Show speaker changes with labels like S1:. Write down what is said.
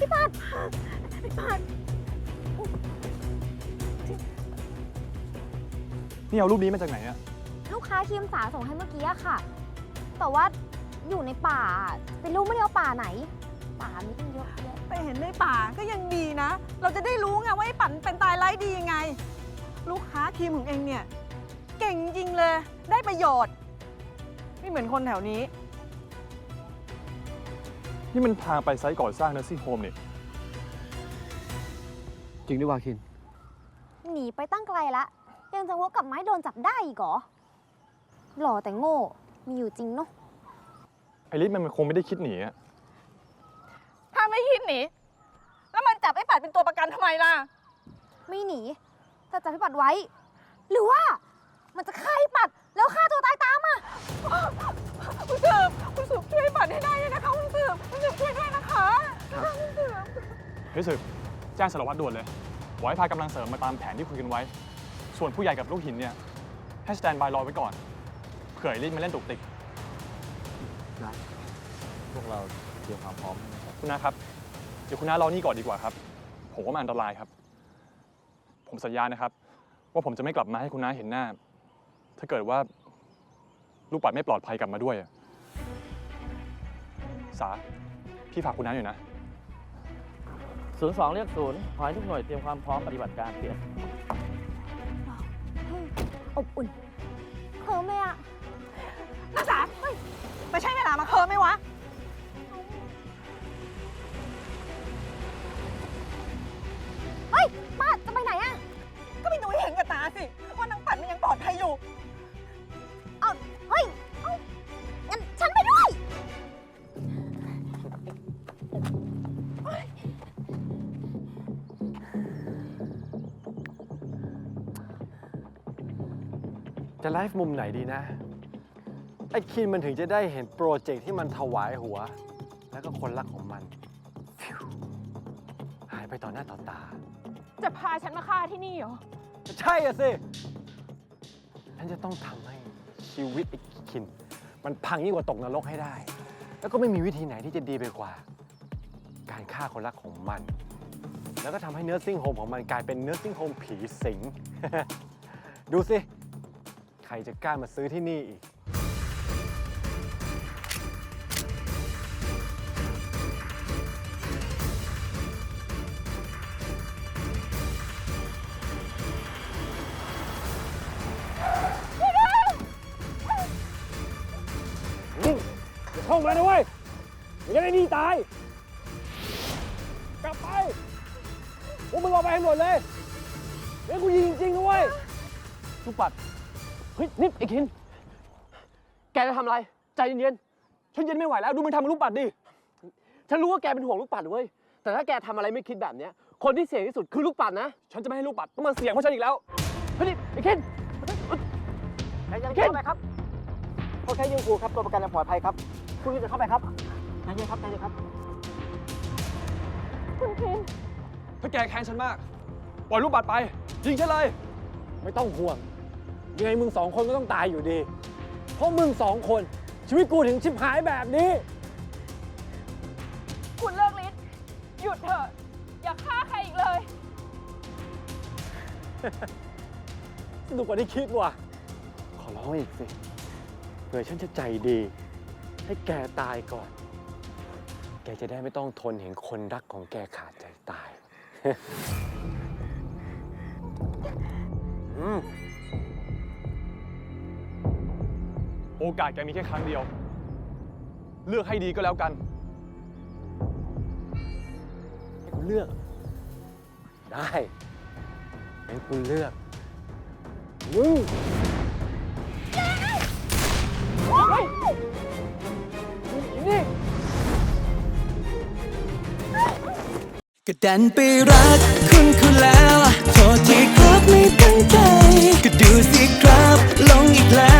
S1: ปัด
S2: นี่เอารูปนี้มาจากไหนอะ
S1: ลูกค้าครีมสาส่งให้เมื่อกี้อะค่ะ แต่ว่าอยู่ในป่าเป็นลูกไม่ได้เอาป่าไหน ป่ามีตั้งเยอะแยะ
S3: ไปเห็นในป่าก็ยังดีนะ เราจะได้รู้ไงว่าไอ้ปั่นเป็นตายไร้ดียังไง ลูกค้าครีมของเองเนี่ยเก่งจริงเลย ได้ประโยชน์ ไม่เหมือนคนแถวนี้
S2: นี่มันทางไปไซต์ก่อสร้างเนอร์ซิ่งโฮมนี่
S4: จริงด้วยวาคิน
S1: หนีไปตั้งไกลละยังจะวกกลับไม้โดนจับได้อีกเหรอหล่อแต่โง่มีอยู่จริงเนาะ
S2: ไอริสมันคงไม่ได้คิดหนีอะ
S3: ถ้าไม่คิดหนีแล้วมันจับไอ้ปัดเป็นตัวประกันทำไมล่ะ
S1: ไม่หนีแต่จับพี่ปัดไว้ หรือว่ามันจะฆ่าพี่ปัดแล้วฆ่าตัวตายตามอ่ะ
S3: คุณสืบช่วยปัดให้ได้เลยนะคะคุณสืบช่วยด้วยนะคะคุณสืบ
S2: เฮ้ยสืบแจ้งสารวัตรด่วนเลยบอกให้พากำลังเสริมมาตามแผนที่คุยกันไว้ ส่วนผู้ใหญ่กับลูกหินเนี่ยให้สแตนบายรอไว้ก่อนเผื่อไอริสมาเล่นตุกติก
S4: พวกเราเตรียมความพร้อมนะครับ
S2: คุณน้าครับ เดี๋ยวคุณน้ารอนี่ก่อนดีกว่าครับ ผมว่ามันอันตรายครับ ผมสัญญานะครับ ว่าผมจะไม่กลับมาให้คุณน้าเห็นหน้า ถ้าเกิดว่าลูกปัดไม่ปลอดภัยกลับมาด้วยอะสาพี่ฝากคุณน้าหน่อยนะ
S5: 02 เรียก 0 ขอให้ทุกหน่วยเตรียมความพร้อมปฏิบัติการเปลี่ยน
S1: อบอุ่นเคิร์มเลยอ่ะ
S3: นักศึกษาไม่ใช่เวลามาเคิร์มไหมวะ
S1: เฮ้ยป้าจะไปไหนอ่ะ
S3: ก็ไปดูให้เห็นกับตาสิ ว่านางปัดมันยังปลอดภัยอยู่
S1: เอาเฮ้ยเอางั้นฉันไปด้วย
S4: จะไลฟ์มุมไหนดีนะ ไอ้คินมันถึงจะได้เห็นโปรเจกต์ที่มันถวายหัว แล้วก็คนรักของมันฟิวหายไปต่อหน้าต่อตา
S3: จะพาฉันมาฆ่าที่นี่เหรอ
S4: ใช่อะสิ ฉันจะต้องทำให้ชีวิตไอ้คิน มันพังยิ่งกว่าตกนรกให้ได้ แล้วก็ไม่มีวิธีไหนที่จะดีไปกว่า การฆ่าคนรักของมัน แล้วก็ทำให้เนื้อซิ่งโฮมของมันกลายเป็นเนื้อซิ่งโฮมผีสิง ดูสิ ใครจะกล้ามาซื้อที่นี่อีก อย่าเข้ามานะเว้ยไม่งั้นไอ้นี่ตาย กลับไปพวกมึงเอาไปให้หมดเลยเดี๋ยวกูยิงจริงๆนะเว้ย
S5: ลูกปัด เฮ้ย นี่ไอ้คิน แกจะทำอะไร ใจเย็น
S2: ฉันเย็นไม่ไหวแล้วดูมันทำกับลูกปัดดิ
S5: ๆ ฉันรู้ว่าแกเป็นห่วงลูกปัดเว้ย แต่ถ้าแกทำอะไรไม่คิดแบบเนี้ย คนที่เสี่ยงที่สุดคือลูกปัดนะ
S2: ฉันจะไม่ให้ลูกปัดต้องมาเสี่ยงเพราะฉันอีกแล้ว
S5: เฮ้ยนี่ไอ้คินใจเย็นเข้าไปครับเขาแค่ยิงกูครับ ตัวประกันยังปลอดภัยครับ คุณจะเข้าไปครับใจเย็นครับใจเย็นครับ
S1: คุณคิน
S2: ถ้าแกแค้นฉันมาก ปล่อยลูกปัดไป ยิงฉันเลย
S4: ไม่ต้องห่วง ยังไงมึงสองคนก็ต้องตายอยู่ดี เพราะมึงสองคน ชีวิตกูถึงชิบหายแบบนี้
S3: คุณเลิกฤทธิ์หยุดเถอะ อย่าฆ่าใครอีกเลย
S4: สนุกกว่าที่คิดว่ะ ขอร้องอีกสิ เผื่อฉันจะใจดี ให้แกตายก่อน แกจะได้ไม่ต้องทนเห็นคนรักของแกขาดใจตาย
S2: โอกาสแกมีแค่ครั้งเดียว เลือกให้ดีก็แล้วกัน
S4: ให้กูเลือก ได้ให้กูเลือก มึง
S6: ก็ดันไปรักคุณแล้วโทษที่ครับไม่ตั้งใจ ก็ดูสิครับหลงอีกแล้ว